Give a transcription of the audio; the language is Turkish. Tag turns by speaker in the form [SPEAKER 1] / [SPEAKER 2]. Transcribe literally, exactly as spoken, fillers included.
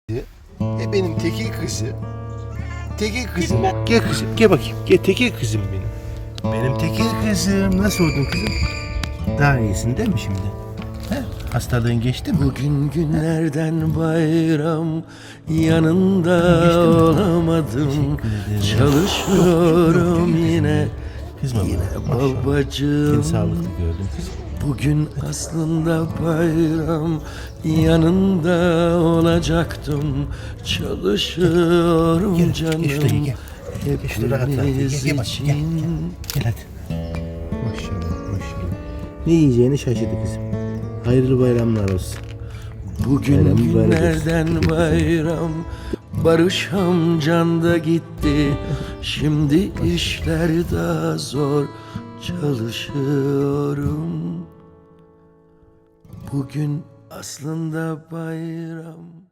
[SPEAKER 1] E benim tekil kızı. Tekil kızım. Gel kızım, gel bakayım. Gel tekil kızım benim. Benim tekil kızım. Nasıl oldun kızım? Daha iyisin değil mi şimdi? He? Hastalığın geçti mi?
[SPEAKER 2] Bugün günlerden bayram, yanında
[SPEAKER 1] Geçti mi?
[SPEAKER 2] olamadım.
[SPEAKER 1] Teşekkür ederim.
[SPEAKER 2] Çalışıyorum yine,
[SPEAKER 1] Kızma
[SPEAKER 2] yine
[SPEAKER 1] bana. Maşallah.
[SPEAKER 2] babacığım.
[SPEAKER 1] Seni sağlıklı gördüm kızım.
[SPEAKER 2] Bugün aslında bayram, yanında olacaktım. Çalışıyorum
[SPEAKER 1] Gel,
[SPEAKER 2] canım,
[SPEAKER 1] gel şuraya gel. Gel şurada rahat rahat. Gel,
[SPEAKER 2] hepimiz
[SPEAKER 1] gel, bak, gel, gel.
[SPEAKER 2] için.
[SPEAKER 1] Gel hadi. Maşallah maşallah. Ne yiyeceğini şaşırdı kızım. Hayırlı bayramlar olsun.
[SPEAKER 2] Bugün
[SPEAKER 1] Bayram mübarek olsun.
[SPEAKER 2] günlerden bayram, Barış amcan da gitti. Şimdi işler daha zor, çalışıyorum. Bugün aslında bayram.